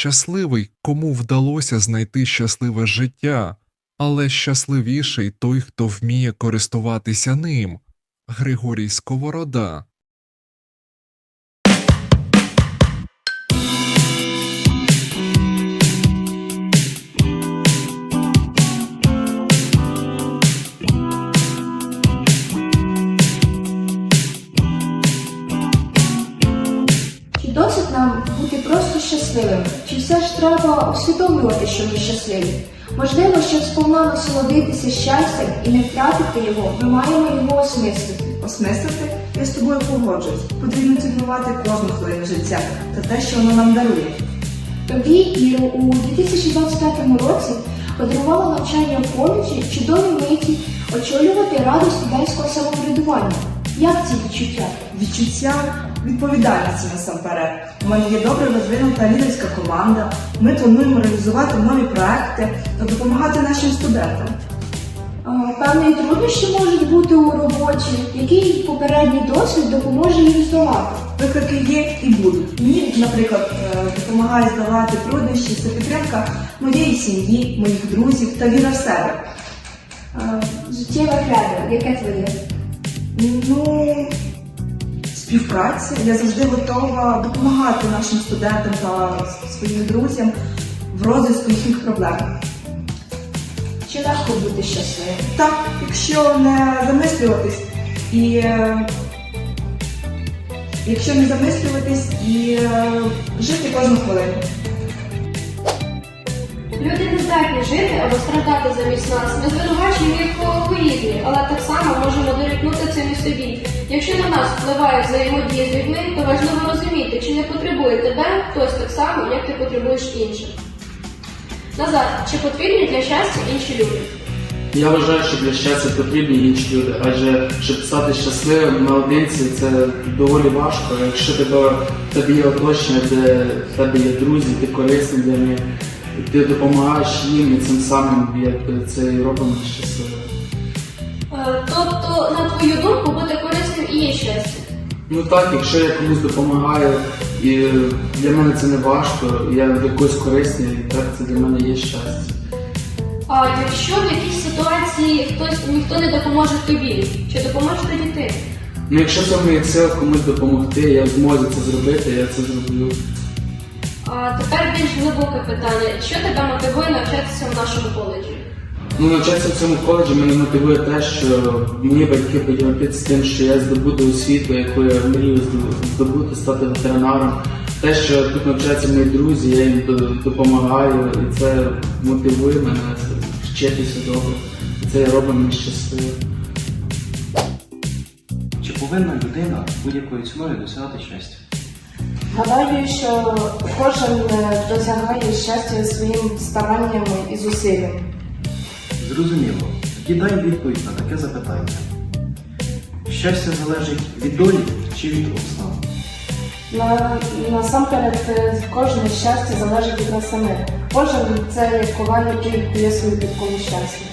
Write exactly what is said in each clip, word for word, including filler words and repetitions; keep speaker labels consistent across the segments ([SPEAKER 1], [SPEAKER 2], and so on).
[SPEAKER 1] щасливий, кому вдалося знайти щасливе життя, але щасливіший той, хто вміє користуватися ним. Григорій Сковорода.
[SPEAKER 2] Чи досить нам бути просто щасливими? Чи все ж треба усвідомлювати, що ми щасливі? Можливо, щоб сповна насолодитися щастям і не втратити його, ми маємо його осмислити.
[SPEAKER 3] Осмислити? Я з тобою погоджуюсь. Потрібно цінувати кожну хвилину життя та те, що воно нам дарує.
[SPEAKER 2] Тобі, Іро, у дві тисячі двадцять п'ятому році подарувало навчання в коледжі чудові миті очолювати раду студентського самоврядування. Як ці відчуття?
[SPEAKER 3] Відчуття відповідальності насамперед. У мене є добре розвинута лідерська команда. Ми плануємо реалізувати нові проекти та допомагати нашим студентам.
[SPEAKER 2] А, Певні труднощі можуть бути у роботі, який попередній досвід допоможе їм здолати.
[SPEAKER 3] Виклики є і будуть. Мені, наприклад, е, допомагає здолати труднощі це підтримка моєї сім'ї, моїх друзів та віра в себе.
[SPEAKER 2] А, Життєве кредо, яке твоє?
[SPEAKER 3] Ну, співпраця. Я завжди готова допомагати нашим студентам та своїм друзям в розв'язку їхніх проблем.
[SPEAKER 2] Чи легко бути щасливим?
[SPEAKER 3] Так, якщо не замислюватись і е, якщо не замислюватись і е, жити кожну хвилину.
[SPEAKER 4] Люди не здатні жити або страждати замість нас. Ми звинувачуємо їх у егоїзмі, але так само можемо дорікнути цим і собі. Якщо на нас впливає взаємодія з людьми, то важливо розуміти, чи не потребує тебе хтось так само, як ти потребуєш інших. Назар, чи потрібні для щастя інші люди?
[SPEAKER 5] Я вважаю, що для щастя потрібні інші люди, адже щоб стати щасливим наодинці це доволі важко. Якщо тебе, в тебе є оточення, де в тебе є друзі, ти корисний для них, ти допомагаєш їм і цим самим як це і робить нас щасливим.
[SPEAKER 4] Е, Тобто, на твою думку, бути корисним і є щастя?
[SPEAKER 5] Ну так, якщо я комусь допомагаю, і для мене це не важко, я для когось корисний, так це для мене є щастя.
[SPEAKER 4] А якщо в якійсь ситуації хтось ніхто не допоможе тобі, чи допоможеш тоді ти?
[SPEAKER 5] Ну якщо це в моїх силах комусь допомогти, я в змозі це зробити, я це зроблю.
[SPEAKER 4] А тепер більш глибоке питання. Що тебе мотивує навчатися в нашому коледжі?
[SPEAKER 5] Ну, навчатися в цьому коледжі мене мотивує те, що мої батьки поділитися з тим, що я здобуду освіту, яку я мрію здобути, стати ветеринаром. Те, що тут навчаються мої друзі, я їм допомагаю, і це мотивує мене вчитися добре. І це робить мене щасливим.
[SPEAKER 6] Чи повинна людина будь-якою ціною досягати щастя?
[SPEAKER 7] Гадаю, що кожен досягає щастя своїм старанням і зусиллям.
[SPEAKER 6] Зрозуміло. Тоді дай відповідь на таке запитання. Щастя залежить від долі чи від обставин?
[SPEAKER 7] На, насамперед, кожне щастя залежить від нас самих. Кожен це як коваль, який кує свою підкову щастя.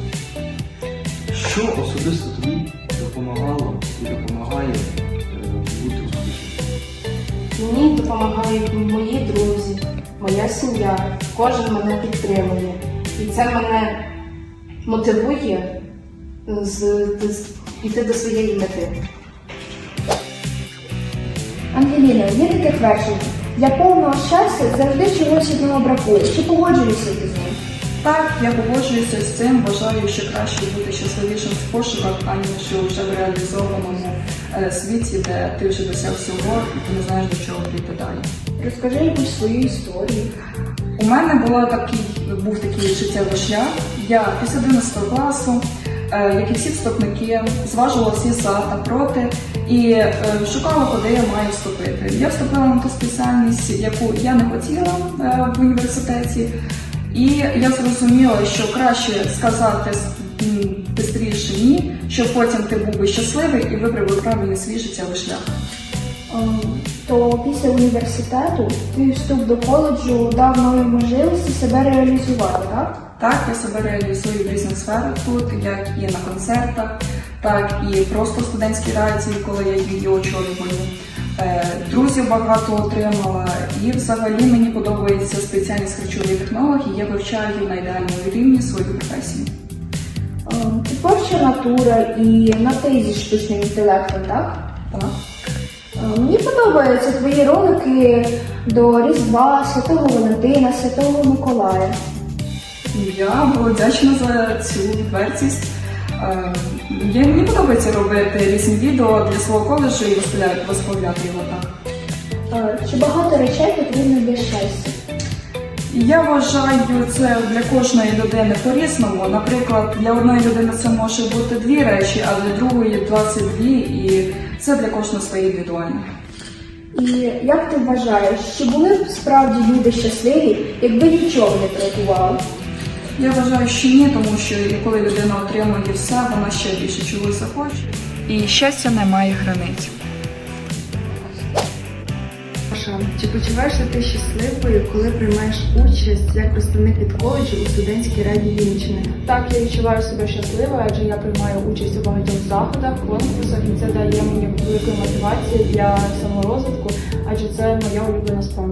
[SPEAKER 6] Що особисто тобі допомагало і допомагає е, бути успішним?
[SPEAKER 7] Мені допомагають мої друзі, моя сім'я. Кожен мене підтримує. І це мене мотивує з, з, йти до своєї мети.
[SPEAKER 2] Ангеліна, є таке твердження. Для повного щастя завжди чогось одного бракує. Чи погоджуєшся ти з ним?
[SPEAKER 3] Так, я погоджуюся з цим, вважаю, що краще бути щасливішим в пошуках, аніж вже в реалізованому е, світі, де ти вже досяг всього і ти не знаєш, до чого прийти далі.
[SPEAKER 2] Розкажи якусь свою історію.
[SPEAKER 3] У мене була такий, був такий життєвий шлях. Я після одинадцятого класу, е, як і всі вступники, зважувала всі за та проти і е, шукала, куди я маю вступити. Я вступила на ту спеціальність, яку я не хотіла е, в університеті. І я зрозуміла, що краще сказати швидше ні, щоб потім ти був би щасливий і вибрав би правильний свій життєвий шлях.
[SPEAKER 2] Ем, То після університету ти вступ до коледжу дав нові можливості себе реалізувати, так?
[SPEAKER 3] Так, я себе реалізую в різних сферах тут, як і на концертах, так і просто в студентській раді, коли я її очолюваю. Друзів багато отримала, і взагалі мені подобається спілкуватися спеціальність харчовий технолог, і я вивчаю на ідеальному рівні свою професію.
[SPEAKER 2] Ем, Ти творча натура і на ти зі штучним інтелектом, так?
[SPEAKER 3] Так.
[SPEAKER 2] Ем, Мені подобаються твої ролики до Різдва, Святого Валентина, Святого Миколая.
[SPEAKER 3] Я була вдячна за цю відвертість. Е, я- Мені подобається робити різні відео для свого коледжу і виставляти- виставляти його так.
[SPEAKER 2] Е, Чи багато речей потрібно для щастя?
[SPEAKER 3] Я вважаю це для кожної людини по-різному. Наприклад, для одної людини це може бути дві речі, а для другої двадцять дві, і це для кожного своє індивідуальне.
[SPEAKER 2] І як ти вважаєш, чи були б справді люди щасливі, якби нічого не працювали?
[SPEAKER 3] Я вважаю, що ні, тому що коли людина отримує все, вона ще більше чогось захоче. І щастя не має границь.
[SPEAKER 8] Маша, чи почуваєшся ти щасливою, коли приймаєш участь як представник від коледжу у студентській раді Вінниччини?
[SPEAKER 7] Так, я відчуваю себе щасливою, адже я приймаю участь у багатьох заходах, конкурсах, і це дає мені велику мотивацію для саморозвитку, адже це моя улюблена справа.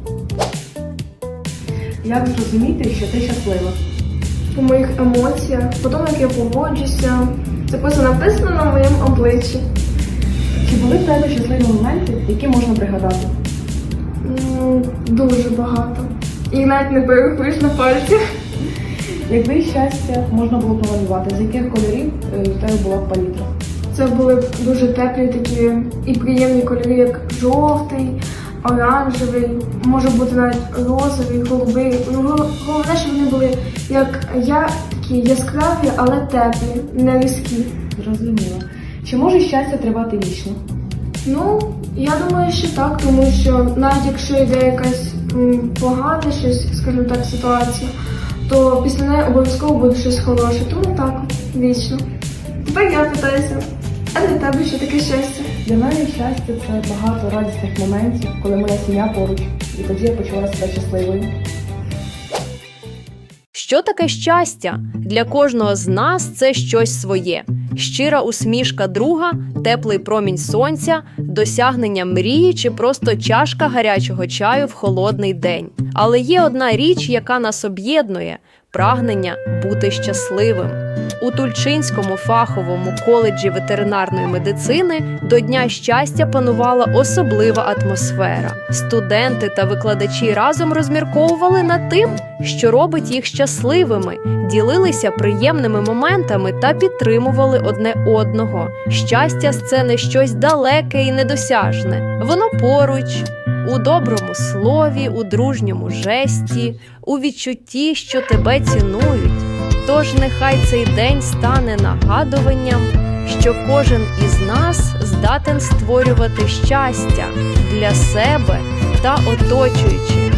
[SPEAKER 8] Як зрозуміти, що ти щаслива?
[SPEAKER 9] По моїх емоціях, по тому, як я поводжуся. Це просто написано на моєму обличчі.
[SPEAKER 8] Чи були в тебе щасливі моменти, які можна пригадати?
[SPEAKER 9] М, Дуже багато. І навіть не перерахуєш на пальцях.
[SPEAKER 8] Якби щастя можна було помалювати, з яких кольорів е, в тебе була б палітра?
[SPEAKER 9] Це були б дуже теплі такі і приємні кольори, як жовтий, оранжевий, може бути навіть розовий, голубий. Ну, гол- головне, щоб вони були як я, такі яскраві, але теплі, не різкі.
[SPEAKER 8] Зрозуміло. Чи може щастя тривати вічно?
[SPEAKER 9] Ну, я думаю, що так, тому що навіть якщо йде якась м, погана щось, скажімо так, ситуація, то після неї обов'язково буде щось хороше. Тому так, вічно. Тепер я питаюся, а для тебе що таке щастя?
[SPEAKER 8] Для мене щастя це багато радісних моментів, коли моя сім'я поруч, і тоді я почуваю себе щасливою.
[SPEAKER 10] Що таке щастя? Для кожного з нас це щось своє. Щира усмішка друга, теплий промінь сонця, досягнення мрії чи просто чашка гарячого чаю в холодний день. Але є одна річ, яка нас об'єднує – прагнення бути щасливим. У Тульчинському фаховому коледжі ветеринарної медицини до Дня щастя панувала особлива атмосфера. Студенти та викладачі разом розмірковували над тим, що робить їх щасливими, ділилися приємними моментами та підтримували одне одного. Щастя – це не щось далеке і недосяжне. Воно поруч, у доброму слові, у дружньому жесті, у відчутті, що тебе цінують. Тож нехай цей день стане нагадуванням, що кожен із нас здатен створювати щастя для себе та оточуючих.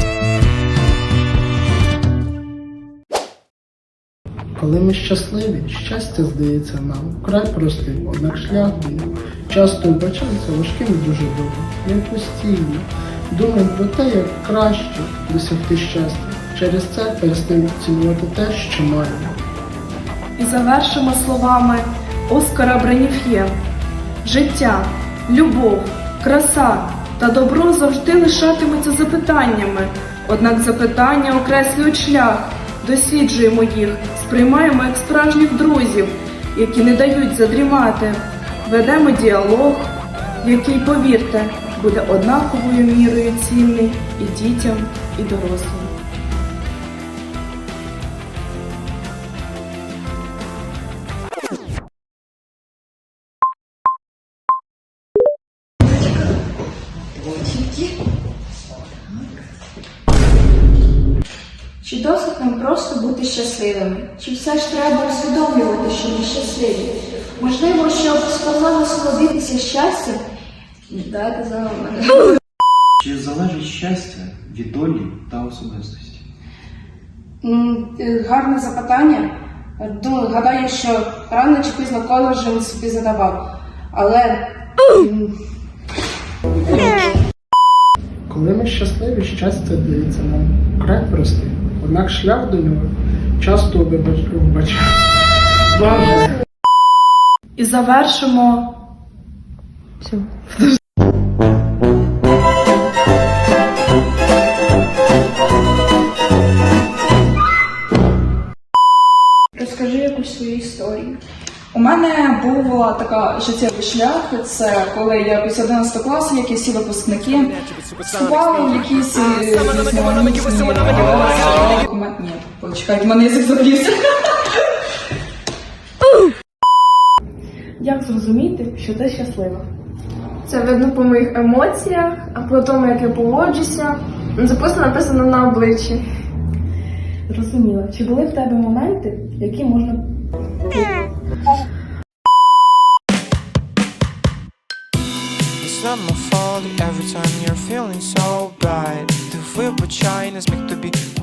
[SPEAKER 11] Коли ми щасливі, щастя здається нам вкрай простим, однак шлях до нього часто вбачається важким і дуже довгим. Ми постійно думаємо про те, як краще досягти щастя. Через це перестаємо цінувати те, що маємо.
[SPEAKER 3] І завершимо словами Оскара Бреніф'є. Життя, любов, краса та добро завжди лишатимуться запитаннями. Однак запитання окреслюють шлях, досліджуємо їх, сприймаємо як справжніх друзів, які не дають задрімати. Ведемо діалог, який, повірте, буде однаковою мірою цінний і дітям, і дорослим.
[SPEAKER 2] Чи досить нам просто бути щасливими? Чи все ж треба усвідомлювати, що ми щасливі? Можливо, щоб сповна насолодитися щастям? Дайте за мене.
[SPEAKER 6] Чи залежить щастя від долі та особистості?
[SPEAKER 7] М, е, Гарне запитання. Думаю, гадаю, що рано чи пізно кожен же собі задавав. Але м,
[SPEAKER 11] Коли ми щасливі, щастя здається нам вкрай простим, однак шлях до нього часто вбачається.
[SPEAKER 3] І завершимо
[SPEAKER 11] Все.
[SPEAKER 3] була така життєвий шлях. Це коли я після одинадцятого класу, як і всі випускники, вступала в якісь е, різноманітні документи. Ні, почекайте, в мене язик заплівся.
[SPEAKER 8] Як зрозуміти, що ти щаслива?
[SPEAKER 9] Це видно по моїх емоціях, а по тому, як я поводжуся. Записано написано на обличчі.
[SPEAKER 8] Зрозуміло. Чи були в тебе моменти, які можна
[SPEAKER 12] It's not my fault every time you're feeling so bright. Ти вибачай, не зміг тобі